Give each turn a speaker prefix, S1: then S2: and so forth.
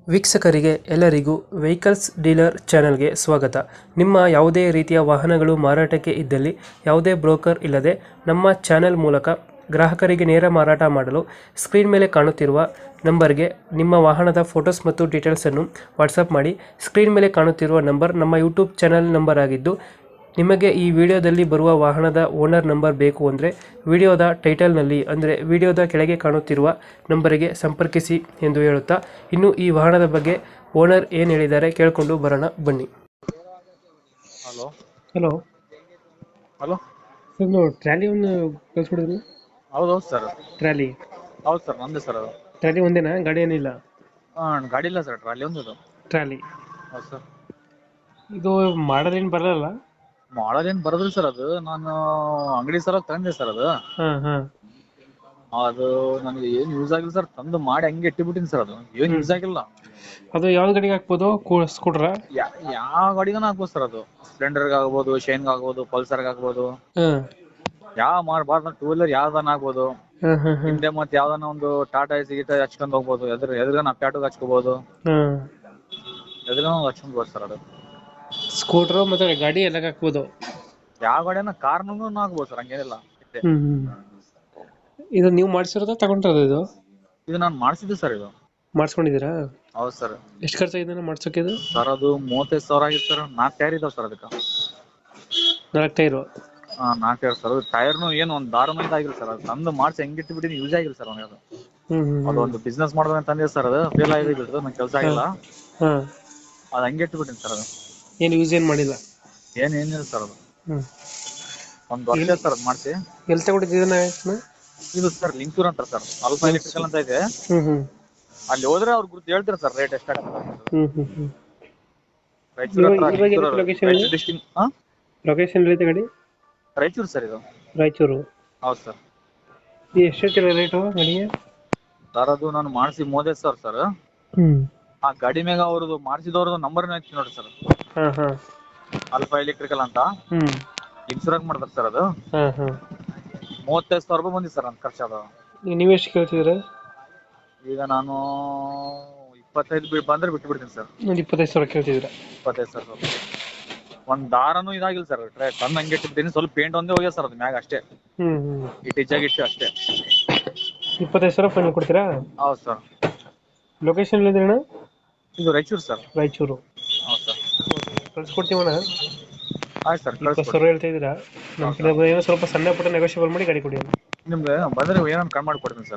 S1: ವೀಕ್ಷಕರಿಗೆ ಎಲ್ಲರಿಗೂ vehicles dealer ಚಾನೆಲ್ಗೆ ಸ್ವಾಗತ. ನಿಮ್ಮ ಯಾವುದೇ ರೀತಿಯ ವಾಹನಗಳು ಮಾರಾಟಕ್ಕೆ ಇದ್ದಲ್ಲಿ ಯಾವುದೇ ಬ್ರೋಕರ್ ಇಲ್ಲದೆ ನಮ್ಮ ಚಾನೆಲ್ ಮೂಲಕ ಗ್ರಾಹಕರಿಗೆ ನೇರ ಮಾರಾಟ ಮಾಡಲು ಸ್ಕ್ರೀನ್ ಮೇಲೆ ಕಾಣುತ್ತಿರುವ ನಂಬರ್ಗೆ ನಿಮ್ಮ ವಾಹನದ ಫೋಟೋಸ್ ಮತ್ತು ಡೀಟೇಲ್ಸನ್ನು ವಾಟ್ಸಪ್ ಮಾಡಿ. ಸ್ಕ್ರೀನ್ ಮೇಲೆ ಕಾಣುತ್ತಿರುವ ನಂಬರ್ ನಮ್ಮ ಯೂಟ್ಯೂಬ್ ಚಾನೆಲ್ ನಂಬರ್ ಆಗಿದ್ದು, ನಿಮಗೆ ಈ ವಿಡಿಯೋದಲ್ಲಿ ಬರುವ ವಾಹನದ ಓನರ್ ನಂಬರ್ ಬೇಕು ಅಂದರೆ ವಿಡಿಯೋದ ಟೈಟಲ್ನಲ್ಲಿ ಅಂದರೆ ವಿಡಿಯೋದ ಕೆಳಗೆ ಕಾಣುತ್ತಿರುವ ನಂಬರಿಗೆ ಸಂಪರ್ಕಿಸಿ ಎಂದು ಹೇಳುತ್ತಾ, ಇನ್ನು ಈ ವಾಹನದ ಬಗ್ಗೆ ಓನರ್ ಏನು ಹೇಳಿದ್ದಾರೆ ಕೇಳಿಕೊಂಡು ಬರೋಣ ಬನ್ನಿ.
S2: Hello
S1: hello
S2: hello
S1: sir, trolley ಒಂದು ಕಳಿಸ್ಬಿಡಿದ್ರಿ.
S2: ಹೌದೌದು ಸರ್.
S1: ಟ್ರ್ಯಾಲಿ
S2: ಹೌದು ಸರ್, ನಮ್ಮದೇ ಸರ್ ಅದು.
S1: ಟ್ರ್ಯಾಲಿ ಒಂದೇನಾ, ಗಾಡಿ ಏನಿಲ್ಲ?
S2: ಹಾಂ, ಗಾಡಿ ಇಲ್ಲ ಸರ್, ಟ್ರಾಲಿ ಒಂದು ಅದು.
S1: ಟ್ರ್ಯಾಲಿ
S2: ಹೌದು ಸರ್.
S1: ಇದು ಮಾಡಲ್ ಏನು ಬರಲ್ಲ?
S2: ಮಾಡೋದೇನು ಬರೋದಿಲ್ಲ ಸರ್, ಅದು ನಾನು ಅಂಗಡಿ ಸಲ ತಂದೆ ಸರ್ ಅದು.
S1: ಹಾಂ ಹಾಂ
S2: ಅದು ನನಗೆ ಏನು ಯೂಸ್ ಆಗಿಲ್ಲ ಸರ್, ತಂದು ಮಾಡಿ ಹಂಗೆ ಇಟ್ಟಿಬಿಟ್ಟಿನಿ ಸರ್, ಅದು ಏನು ಯೂಸ್ ಆಗಿಲ್ಲ.
S1: ಅದು ಯಾವ ಗಾಡಿಗೆ ಹಾಕ್ಬೋದು? ಸ್ಕೂಟ್ರಾ?
S2: ಯಾವ ಗಾಡಿಗೂ ಹಾಕ್ಬೋದು ಸರ್, ಅದು ಸ್ಪ್ಲೆಂಡರ್ಗೆ ಆಗ್ಬೋದು, ಶೈನ್ಗೆ ಆಗ್ಬೋದು, ಪಲ್ಸರ್ಗೆ ಆಗ್ಬೋದು,
S1: ಹಾಂ
S2: ಯಾವ ಮಾಡಬಾರ್ದು ಟೂ ವೀಲರ್ ಯಾವ್ದನ್ನ ಆಗ್ಬೋದು.
S1: ಹಾಂ ಹಾಂ ಹಾಂ
S2: ಹಿಂದೆ ಮತ್ತೆ ಯಾವ್ದನ್ನ ಒಂದು ಟಾಟಾ ಎಸಿ ಗೀಟ ಹಚ್ಕೊಂಡು ಹೋಗ್ಬೋದು, ಎದುರುಗನ ಪ್ಯಾಟುಗೆ ಹಚ್ಕೋಬೋದು,
S1: ಹಾಂ
S2: ಎದುರುಗನ ಹಚ್ಕೊಂಡ್ಬೋದು ಸರ್. ಅದು
S1: ಸ್ಕೂಟ್ರು ಮತ್ತು ಗಾಡಿ ಎಲ್ಲ ಹಾಕ್ಬೋದು.
S2: ಯಾವ ಗಾಡಿನ ಕಾರ್ನೂ ಹಾಕ್ಬೋದು ಸರ್, ಹಂಗೇನಿಲ್ಲ.
S1: ಇದು ನೀವು ಮಾಡಿಸಿರೋದ ತಗೊಂಡಿರೋದು? ಇದು
S2: ನಾನು ಮಾಡಿಸಿದ್ದೆ ಸರ್, ಇದು
S1: ಮಾಡಿಸ್ಕೊಂಡಿದ್ದೀರಾ?
S2: ಹೌದು ಸರ್.
S1: ಎಷ್ಟು ಖರ್ಚಾಗಿದೆ ಮಾಡ್ಸೋಕೆ ಇದು?
S2: ಸರ್ ಅದು 35,000 ಆಗಿತ್ತು ಸರ್. 4 ಟೈರ್ ಇದಾವೆ ಸರ್ ಅದಕ್ಕೆ.
S1: 4 ಟೈರು?
S2: 4 tyre sir. ಅದು ಟೈರ್ನು ಏನು ಒಂದು ದಾರು ಮಂದಿ ಆಗಿಲ್ಲ ಸರ್, ಅದು ತಂದು ಮಾಡಿಸಿ ಹೆಂಗಿಟ್ಟು ಬಿಟ್ಟು ಯೂಸ್ ಆಗಿಲ್ಲ ಸರ್ ಅವನಿಗೆ. ಅದು ಅದು ಒಂದು ಬಿಸ್ನೆಸ್ ಮಾಡೋದಂತ ತಂದಿದೆ ಸರ್, ಅದು ಫೇಲ್ ಆಗಿಬಿಟ್ಟು ನಂಗೆ ಕೆಲಸ ಆಗಿಲ್ಲ.
S1: ಹಾಂ,
S2: ಅದು ಹಂಗೆ ಇಟ್ಬಿಟ್ಟಿನಿ ಸರ್. ಅದು
S1: ಏನು ಯೂಸ್ ಏನು ಮಾಡಿಲ್ಲ?
S2: ಏನಿಲ್ಲ ಸರ್, ಅದು ಒಂದು ವರ್ಷ ಸರ್ ಅದು ಮಾಡಿಸಿ.
S1: ಎಲ್ಲಿ ತಗೊಂಡಿದ್ದೀನ?
S2: ಇದು ಸರ್ ಲಿಂಕೂರ್ ಅಂತ ಸರ್, ಅಲ್ಫಾ ಎಲೆಕ್ಟ್ರಿಕಲ್ ಅಂತ ಇದೆ. ಅಲ್ಲಿ ಹೋದ್ರೆ ಅವ್ರು ಗುರುತು ಹೇಳ್ತಾರೆ ಸರ್ ರೇಟ್ ಎಷ್ಟಾಗುತ್ತೆ. ರಾಯಚೂರು ಡಿಸ್ಟಿಕ್.
S1: ಲೊಕೇಶನ್ ಎಲ್ಲಿದೆ ಗಾಡಿ?
S2: ರಾಯಚೂರು ಸರ್, ಇದು
S1: ರಾಯಚೂರು.
S2: ಹೌದು ಸರ್.
S1: ಎಷ್ಟು ಹೇಳ್ತೀರಾ ರೇಟು ಗಾಡಿಗೆ?
S2: ಸರ್ ಅದು ನಾನು ಮಾಡಿಸಿ 35,000 ಸರ್. ಆ ಗಾಡಿ ಮ್ಯಾಗ ಅವ್ರದ್ದು ಮಾಡಿಸಿದವ್ರದ್ದು ನಂಬರ್ನ ಐತಿ ನೋಡಿ ಸರ್,
S1: ಹಾಂ ಹಾಂ
S2: ಅಲ್ಫಾ ಎಲೆಕ್ಟ್ರಿಕಲ್ ಅಂತ. ಇನ್ಶೂರೆನ್ಸ್ ಮಾಡ್ತಾರೆ ಸರ್ ಅದು.
S1: ಹಾಂ ಹಾಂ
S2: 35,000 ರೂಪಾಯಿ ಬಂದಿದೆ ಸರ್ ನನ್ನ ಖರ್ಚು. ಅದು
S1: ನೀವು ಎಷ್ಟು ಕೇಳ್ತಿದ್ದೀರಾ?
S2: ಈಗ ನಾನು 25 ಬಂದ್ರೆ ಬಿಟ್ಟು ಬಿಡ್ತೀನಿ ಸರ್.
S1: ಒಂದು 25,000 ಕೇಳ್ತಿದ್ದೀರಾ?
S2: 25,000. ಒಂದ್ ದಾರನೂ ಇದಾಗಿಲ್ಲ ಸರ್, ತಂದು ಹಂಗೆ ಇಟ್ಟಿದ್ದೀನಿ. ಸ್ವಲ್ಪ ಪೇಂಟ್ ಒಂದೇ ಹೋಗ್ಯ ಸರ್ ಅದು ಮ್ಯಾಗ ಅಷ್ಟೇ, ಇಟ್ಟಿಚ್ಚಾಗಿಟ್ಟು ಅಷ್ಟೇ.
S1: 25,000 ಫೈನಲ್ ಕೊಡ್ತೀರಾ?
S2: ಹೌದು ಸರ್.
S1: ಲೊಕೇಶನ್ ಎಲ್ಲಿದೆ ಅಣ್ಣ?
S2: ಇದು ರಾಯಚೂರು ಸರ್.
S1: ರಾಯಚೂರು.
S2: ಹೌದು ಸರ್.
S1: ಕಳ್ಸ್ಕೊಡ್ತೀವಣ್ಣ.
S2: ಆಯ್ತು ಸರ್,
S1: 20,000 ಹೇಳ್ತಾ ಇದ್ದೀರಾ? ನಮ್ಮ ಕಡೆ ಏನೋ ಸ್ವಲ್ಪ ಸಣ್ಣ ಪುಟ್ಟ ನೆಗೋಷಿಯಬಲ್ ಮಾಡಿ ಗಾಡಿ ಕೊಡಿ.
S2: ನಿಮ್ಗೆ ಬಂದ್ರೆ ಏನೋ ಕಮ್ಮಿ ಮಾಡಿ ಕೊಡ್ತೀನಿ ಸರ್.